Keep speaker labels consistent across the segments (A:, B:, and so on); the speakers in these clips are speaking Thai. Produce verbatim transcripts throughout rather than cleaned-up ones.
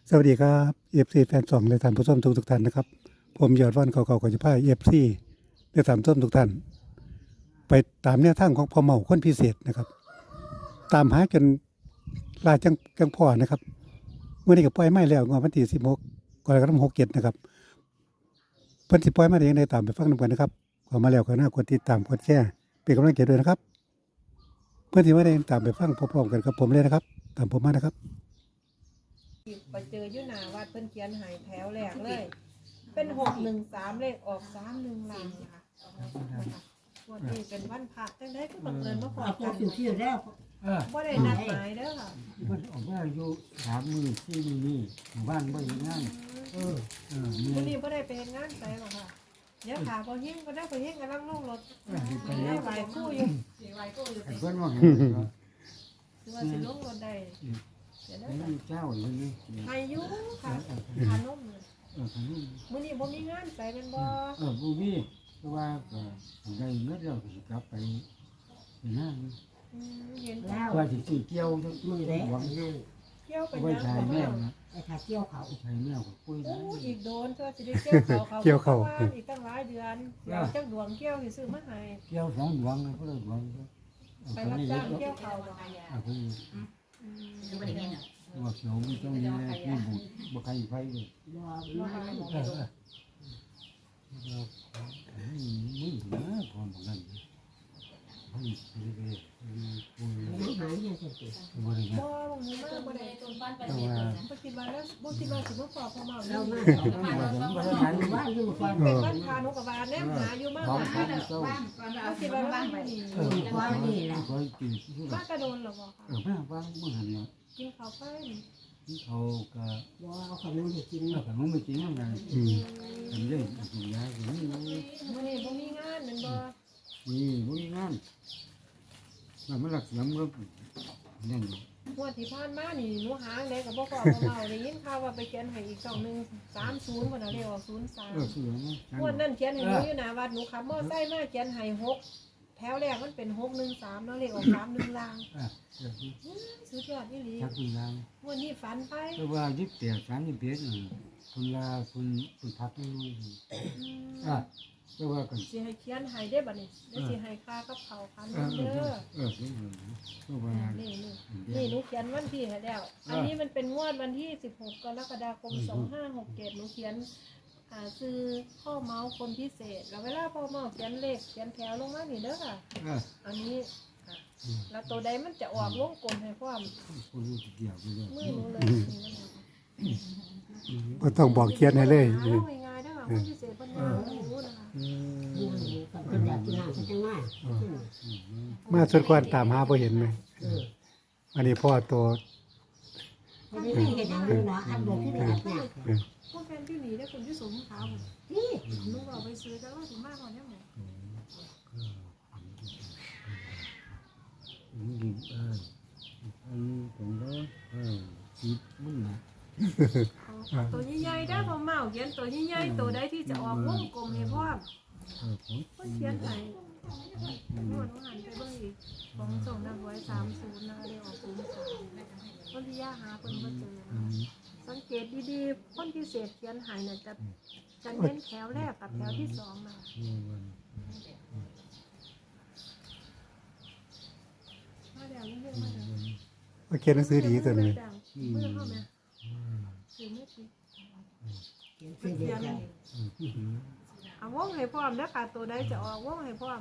A: สวัสดีครับเอฟซีแฟนสองและท่านผู้ชมทุกทุกท่านนะครับผมยอดวันเก่าๆก็จะพาเอฟซีและท่านผู้ชมทุกท่านไปตามแนวทางของพ่อเมาคนพิเศษนะครับตามหาจนลายจังจังพ่อนะครับเมื่อนี้ก็ปล่อยไม้แล้วงวดวันที่สิบหกกรกฎาคมหกเจ็ดนะครับเพิ่นสิปล่อยมาได้ยังไงตามไปฟังนำกันนะครับเข้ามาแล้วก็น่ากดติดตามกดแชร์เป็นกำลังใจด้วยนะครับเพื่อนที่ว่าได้ตามไปฟังพร้อมๆกันกับผมเลยนะครับตามผมมานะครับ
B: ไปเจออยู่หน้าวัดเพิ่นเขียนใหายแถวแรกเลย เป็นหกหนึ่งสามเลขออกสามหนึ่งหลังนะคะวันนี้เป็นวันพระจังได้ก็บังเอิญมาพอกันบ่ได้นัดหมายเด้อค่ะ
C: มันออกมาอยู่สามมือสี่มือนี่หมู่บ้านบ่อยู่งานเออเออ
B: วัน
C: เนี่
B: นี้
C: ย
B: บ่ได้ไปเฮ็ดงานไสหรอกค่ะเดี๋ยวขาบ่เฮงก็ได้บ่เฮงกำลังลงรถ
C: เออไป
B: ได้
C: แล้ว
B: ไหวคู่อยู่
C: ไอ้เพิ่นว่าไงเนาะ
B: คือว่าสิลงรถได้เดี๋ยว
C: ไอ้
B: ได้
C: นี่เจ้าอยู่นี่
B: ให้อยู่ค่ะขานมเลย
C: เออขนม
B: มื้อนี้บ่มีงานไสแม่นบ่
C: เออบ่มีเพราะว่าก็ได้เงินแล้วก็สิกลับไปไปงาน
B: อืมเห็น
D: แล้ว
C: ว่าสิซื้อเกี่ยวจัง
D: มือเล็ก
C: หวัง
D: นั่น
B: เกี่ยวไป
C: ไว้
B: ยัง
C: ชาย
B: บ่
C: แม่
B: มา
C: นะ
D: ไอ้ขาเกี่ยวเขา
C: ชายแม่ก็คุย
B: โอ้
C: ได้
B: อีกโดนเธอสิได้เกี่ยวเขาเขา
A: เกี่ยวเข้า
B: ว่อีกตั้งหลายเดือนอยากจักดวงเกี่ยวสิซื้อมาให้
C: เกี่ยวสองหวังก็เลยหวังก็
B: ไปรับจ้างเกี่ยวเขาบ่
C: อ่ะเพิ่นว่าเขียวมันต้องมีมีบุตรบ่ใครไฟเลย
D: บ่บ่ให้
C: เออเออเรามึงนะพอบอกนั่นเฮ้ยเรื่อยๆคุย
D: ไม่หายยังจะติด
C: บริการ
B: บ่บ่มีมาบ่ได้
C: แต่ว่า
B: บ่คิดว่าแล้วบ่คิดว่าสิมาขอพ่อเมา
D: เรา
B: แล้ว
D: มา
C: ว่าผมบ่ได้
D: หาอยู่บ้านอยู่ฟัง
B: เป็นวันพานุกบาลแนมหาอยู่มาก
C: ของ
B: ว่า
C: พันเจ้า
B: บ่คิดว่าเราอยู่นี่
C: เออ
D: ฟังนี่แหละ
C: คอยกินที่
B: มากระโดนหรอบ่ค่ะ
C: เออแม่ฟังมื่อหันเนาะ
B: กินข้าวไป
C: ที่เขาก็
D: บ่เอาขนมให้กิน
C: เออแต่มันไม่จริงยังไง
A: อืม
C: ทำได้กินยากินนี่
B: มื้อนี้บ่มีงานแม่นบ่
C: นี่บริการมันมันหลักเสียงมันนั่น
B: งวดที่ผ่านมานี่หนูหาได้ก็บ่ขอพ่อเมาได้ยินข่าวว่าไปเขียนให้อีกสองหนึ่งสามศูนย์บ่น่ะเรียกว่าศูนย์สาม
C: เออเสียง
B: งวดนั้นเขียนให้หนูอยู่หน้าวัดหนูขับมอไซค์มาเขียนให้หกแถวแรกมันเป็นหกหนึ่งสามเนาะเลขออกสามหนึ่งลาง
C: อ่ะเดี๋ยว
B: สุดยอดอีหลี
C: ชักคุณลาง
B: วันนี้ฝันไป
C: แต่ว่ายึดแต่สามยี่สิบเอ็ดคุณลาคุณคุณพักไม่รู้
B: อืม
C: อ่ะแต่ว่ากัน
B: สิให้เขียนให้ได้บัดนี้ได้สิให้ค่ากับเขาวพัน
C: เออเอ
B: เด้
C: อ
B: อ
C: เออเพราะว่า
B: นี่นี่นี่หนูเขียนวันที่ให้แล้ว อันนี้มันเป็นงวดวันที่สิบหกกรกฎาคมสองห้าหกเจ็ดหนูเขียนอ่าซื้อพ่อเมาส์คนพิเศษแล้วเวลาพ่อเมาส์เขียนเลขเขียนแถวลงมานี่เด้อค่ะ
C: เออ
B: อันนี้ค่ะแล้วตัวใดมันจะออกวงกลมให้ความ
C: คุณรู้เกี่ยวกันเลย
B: มือหนูเลยนี่มัน
A: บ่ต้องบอกเขียนให้เลย
B: หาเอาง่ายๆเด้อค่ะคนพิเศษเพิ่นงานหนูนะคะ
D: อยู่กับคนอยากกินน้ำจังมา
A: มาสุดก่อนตามหาบ่เห็นไหม
D: เออ
A: อันนี้พ่อตัว
D: ไม่ได้เห็นอย่างนี้เนาะอันเดียวที่ได้อัดเนี่ย
B: พวกแฟนที่หนีได้คนที่สมขาวผม
D: นี่
B: หนูเอาไปซื้อแต่ว่าถึงมากกว่านี้หมด
C: ยิงเอออันนี้ผมก็เออสิบมึงนะ
B: ตัวใหญ่ๆได้อพอเมาเขียนตัวใหญ่ๆตัวใดที่จะออกวงกลมให้พ่อม
C: เออผม
B: เพิ่นเขียนให้นวดหันไปเบิ่งอีกของส่งนางไว้สามศูนย์นะเรียกออกศูนย์สามคนที่ย่าหาคนบ่เจอนะสังเกตดีๆคนพิเศษเขียนให้น่ะจะจะเน้นแถวแรกกับแถวที่สองมา มาเดี๋ยวนี้เรื่องมาเดี๋ยว
A: ว่าเขียนหนังสือดีตัวนี้
B: เมื่อเข้ามาคือไม่ผิด
D: เขียนเสียเดียวกัน
B: เอาวงให้พร้อมแล้วค่ะตัวใดจะออกวงให้พร้อม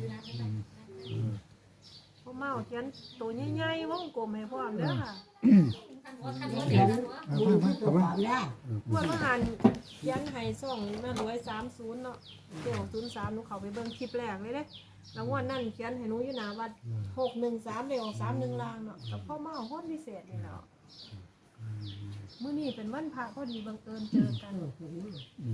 B: พวกเมาเขียนตัวใหญ่ๆวงกลมให้พร้อมเด้อค่ะ
D: เขียนบุญที่ตัวความได้
B: พวกมหันเขียนให้ส่องมารวยสามศูนย์เนาะเกี่ยวศูนย์สามหนูเขาไปเบิ่งคลิปแรกเลยเด้แล้วงวดนั่นเขียนให้หนูอยู่หน้าวัดหกหนึ่งสามเดียวสามหนึ่งลางเนาะกับพ่อเมาคนพิเศษนี่เนาะมื้อนี้เป็นวันพระพอดีบังเอิญเจอกัน
D: เออเห็นไหม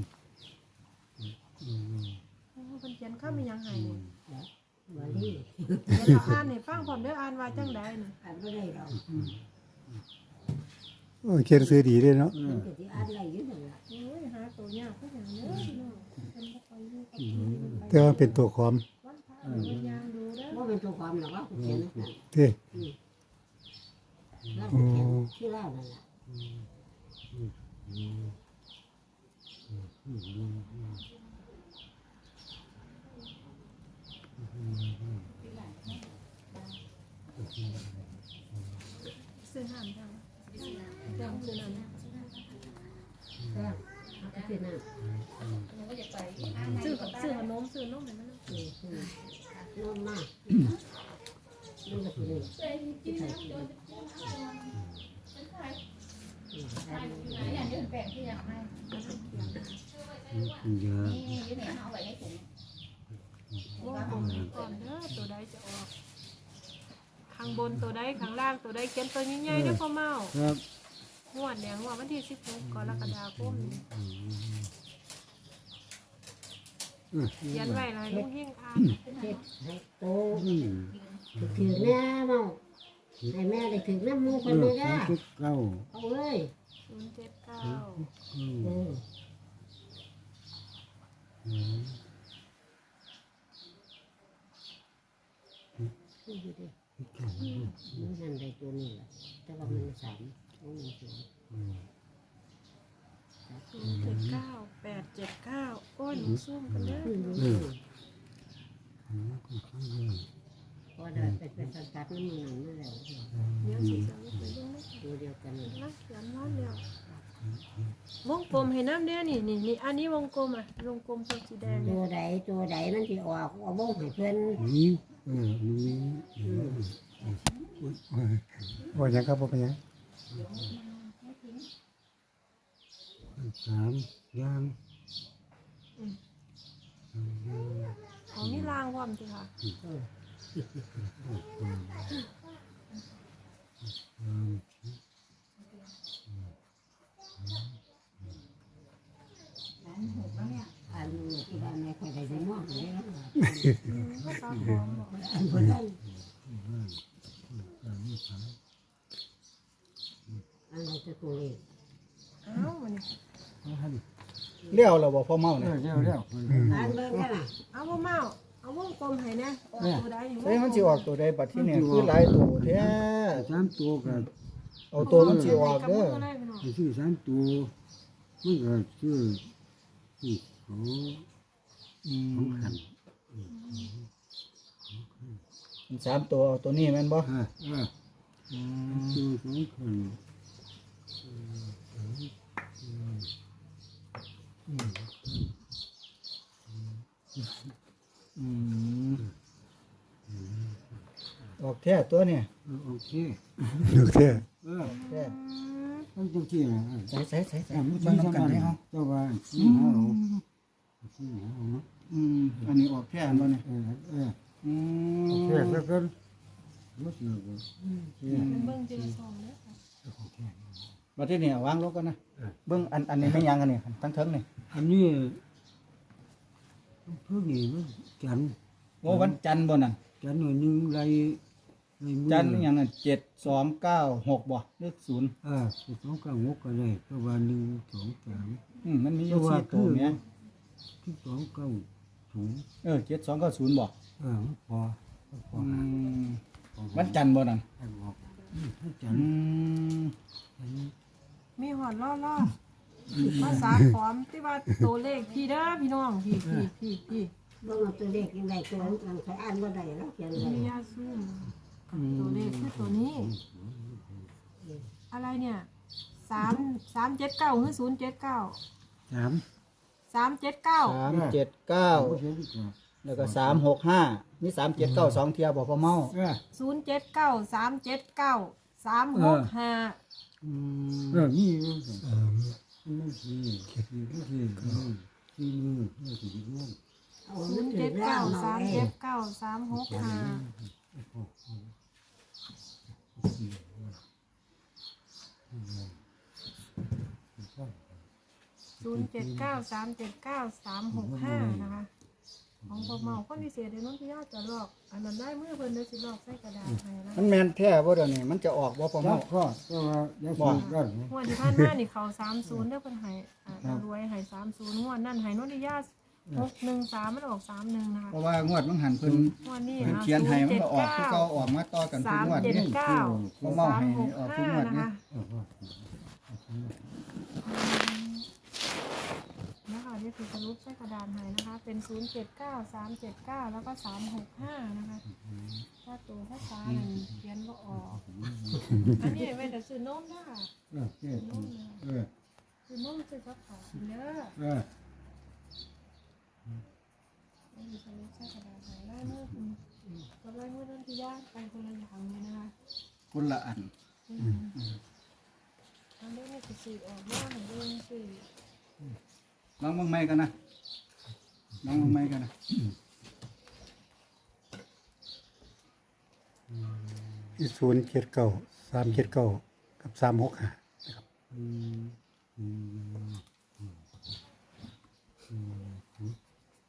B: โอ้เพิ่นเขียนข้ามเป็นยังไงนี่
D: วันนี้
B: เดี๋ยวเราอ่านให้ฟังพร้อมเด้ออ่านว่าจังใดนี่
D: อ่านไม่ได้หรอก
A: โอ้เขียนหนังสือดีด้วยเนาะ
D: มันก็จะอ่านอะไรอยู่นั่นแหละ
B: โอ้ยหาตัวยากคือหยังเด้อพี่น้องเพิ่นบ่ค่อยอยู่กับที่
A: แต่ว่าเป็นตัวขอม
B: วันพระเพิ่นยามดูเด้อ
D: ว่าเป็นตัวความหรอกว่าเขียนนั่น
A: เด้
D: แล้วเขียนที่เล่านั่นแหละ
C: เ
B: ซื้อน้ำจังจังซื้อน้ำ
D: แซ่บเอาไปกินน่ะ
B: ซื้อซื้อขนมซื้อนมให้มันนะ
D: อืมอืมนมมากนมแบบนี้กินใส่กิน
C: เยอะ
B: วงกลมให้ก่อนเด้อตัวใดจะออกข้างบนตัวใดข้างล่างตัวใดเขียนตัวใหญ่ๆเด้อพ่อเมา
C: ครับ
B: งวดเนี่ยงวดวันที่สิบหกกรกฎาคมนี่เขียนไว้เลยลุงเฮงอ่าน
D: เฮ็ดให้โต
C: อืม
D: ถือแม่เมาให้แม่ได้ถือน้ำมูกคนเลยนะ
C: ทุกเก้า
D: เอาเอ้ย
B: ศูนย์เจ็ดเก้า
C: อืม
D: เออ
C: อืม
D: นี่ดูดิมันนั่นได้ตัวนี้แหละแต่ว่ามันสามมันมีสอง
C: อืม
B: ศูนย์เจ็ดเก้าแปดเจ็ดเก้าโอ้ยหนูซุ่มกันเด้อ
D: อืม
C: อืมอืมก็คือเรื่อง
D: พอได้ไปเป็นสังกัดน้ำมันนั่นแล้ว
B: เดี๋ยวสิจะไปเบิ่งนะ
D: ตัวเดียวกันเลย
B: นะเขียนนอนเดียววงกลมให้น้ำเด้อนี่นี่นี่อันนี้วงกลมอ่ะวงกลมตัวสีแดง
D: ตั
B: เนี่
D: วย ใดตัวใดมันที่ออกเอาบ้งให้เพื่อน
C: นี่เออนี่อืม
A: ว่าหยังครับว่าเป็นหยัง
C: สามย่าง
B: ของนี่ล่างพร้อมสิค่ะ
D: เออ
C: อืม
D: อันนี้ที่บ้านแม่คอยได้ได้มากเลยนะ
B: อืมก็ตาพร้อมบอก
D: อันคนนั้น
C: สามสาม
D: อันนี้จะตัวเล็ก
B: อ้าวมันนี่
E: เลี้ยวเราบอกพ่อเมา
C: เร็
E: เนี่
C: วย เร็วเร็ว
D: อันเบิ่งกันน่ะ
B: เอาบ่เมาเอาวงกลมให้แน่ออกตัวใดนี่
E: เฮ้ยมันสิออกตัวใดบัดที่เนี่ยคือหลายตัวแท้
C: สามตัวกับ
E: เอาตัวมันสิออก
B: กับ
E: เด้
B: มื
E: อ
B: อได้พี่น้อง
C: ไอ้ชื่อสามตัวมันก็ชื่อที่เขา
E: อื
C: ของ
E: ม
C: ขัน
E: สามตัวเอาตัวนี้แม่นบ่
C: อ่าอ่า
E: อืม
C: ตัวของขัน
E: อืมออกแท้ตัวเนี่ย
C: โอเค
A: ดูเท่
C: เออ
E: แท้
C: ต้องจังที่นะ
E: ใส่ใส่ใส่ใส่
C: อ่ามัน
E: เบิ่ง
C: ชี้
E: นำกันให้เฮา
C: เจ้าว่าชี้หาเราชี้หาเราเนาะ
E: อืมอันนี้ออกแท้บ่เนี่ย
C: เออเออ
E: อื
C: โอ
E: ม
C: เคแล้วก็ไม่เสียเลย
B: เบิ่งทีละสองเด้อค่ะ
E: บัดที่เนี่ยวางลงกันนะเบิ่งอันอันนี้ไม่ยังกันนี่ทั้งเทิงนี่
C: อันนี้เพื่อนี่มันจันทร์
E: โอ้วันจันทร์บ่นั่น
C: จันทร์หน่อยหนึงไรไรมือ
E: จันทร์อีหยังนั่นเจ็ดสองเก้าหกบ่เลขศูนย์
C: อ่าสิบสองเก้างกก็ได้ก็ว่าหนึ่งสองสาม
E: อืมมันมีอยู่สี่ตัวแม่
C: สิบสองเก้าศูนย์
E: เออเจ็ดสองเก้าศูนย์บ่
C: เออมันพอมันพอ
E: อื
C: หาม พอหา
E: วันจันทร์บ่นั่น
C: ให้บอกอืมให้จัน
E: อื
C: ทร์
E: ม
C: อันนี้
B: มีหอดล่อล่อภาษาขอมที่ว่าตัวเลขพี่เด้อพี่น้องพี่พี่พี่พี่
D: เบิ่งเอาตัวเล็กยังไงตัวนั้นใครอ่านว่าได้แล้วเขียน
B: มี
D: ไว้
B: ยาซูมตัวเลขคือตัวนี้ อะไรเนี่ยสามสามเจ็ดเก้าหรือศูนย์เจ็ดเก้า
C: สาม
B: สามเจ็ดเก้า
E: สามเจ็ดเก้า
C: ผู้เสียดีกว่า
E: แล้วก็สามหกห้ามีสามเจ็ดเก้าสองเทียบอกพ่อเมา
C: เออ
B: ศูนย์เจ็ดเก้าสามเจ็ดเก้าสามหกห้า
E: อื
C: เอ
E: ม
C: อนี่มันก็มันไม่ดีดีก็ดีอืมที่มือเนี่ยถึงร่วง
D: เอา
B: ศู
D: มัน
B: นย์
D: ถื
B: เจ็
D: อ
B: ด
D: แล้
B: เก้าว
D: เนาะ
B: สาม
D: เอ้
B: เจ็ดเก้าสามหกห้าศูนย์เจ็ดเก้าสามเจ็ดเก้าสามหกห้านะคะของพวกเมาคนพิเศษเดี๋ยวน้องพี่ยาจะลอกอันนั้นได้เมื่อเพิ่นเดี๋ยวสิลอกใส่กระดาษให้นะ
E: มันแมนแท้บ่เดี๋ยวนี้มันจะออกบ่พ่อ
C: แล้
E: เมาว
C: ก็ก็ว่าอยากบอกได้ไหม
B: งวดที่ผ่านมานี่เขาสามศูนย์เด้อเพิ่นให้อ่าเรารวยให้สามศูนย์งวดนั่นให้นนทิยาหกหนึ่งสามมันออกสามหนึ่งนะคะ
E: เพราะว่างวดมันหันเพิ่น
B: งวดนี้
E: เพิ่น
B: นะ
E: เขียนให้มันก็ออกคือเก่าออกมาต่อกันทุก
B: สาม
E: งวด
B: เจ็ด
E: นี่
B: เก้า
E: พ่อเมา
B: สาม
E: ให้
B: หก
E: ออกทุก
B: ห้าง
E: วด
B: นะ
E: นี่
B: คะ
C: เออว่า
B: อที่สรุปใส่กระดานให้นะคะ เป็นศูนย์เจ็ดเก้าสามเจ็ดเก้าแล้วก็สามหกห้านะคะถ้าตัวภาษานั่นเขียนก็ออกอันนี้ไว้แต่ซื้อนมนะคะ
C: เออเออ
B: ซื้อนมนะ
C: เออ
B: ซื้อนมซื้อกับข้าวเด้อ
C: เออ
B: อันนี้สรุปใส่กระดานให้ได้เมื่อคุณกับไล่เมื่อต้นที่ย่างไปคนละอย่างเลยนะคะ
E: คนละอัน
B: อืมอันนี้นี่คือสีออกมาเหมือนเดิมสี
E: ลองเบิ่งใหม่กันนะลองเบิ่งใหม่กันนะ
A: ที่ศูนย์เจ็ดเก้าสามเจ็ดเก้ากับสามหกห้านะครับ
C: อืมอืมอืมอืมอืม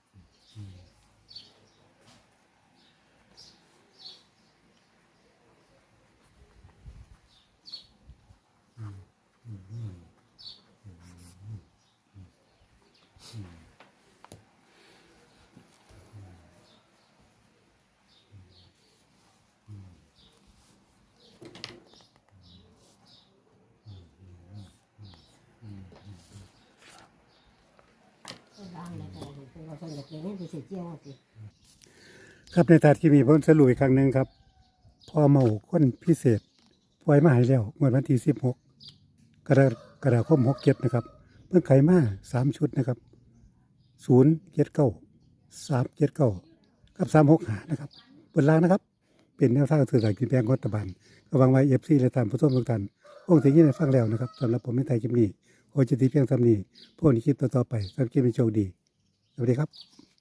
D: ก็ล้างแล้วก็เป็นว่าคนอยากกินนี่ไปเสียเจียวสิ
A: ครับในถาดที่มีผมสรุปอีกครั้งหนึ่งครับพอเมาคนพิเศษปล่อยมาใหายแล้วเมื่อวันที่สิบหกกรกฎาคมหกเจ็ดนะครับเพิ่งไขมาสามชุดนะครับศูนย์เจ็ดเก้าสามเจ็ดเก้ากับสามหกหานะครับบนล่างนะครับ เป็นแนวทางสื่อสารกินแบงรัฐบาลก็หวังไว้เอฟซีและตามผู้ชมทุกท่านคงถึงยี่ในฟังแล้วนะครับสำหรับผมไม่ไทยคลิปนี้โอจะตีเพียงสำนีพวกนี้คลิปต่อๆไปสำหรับคลิปนี้โชคดีสวัสดีครับ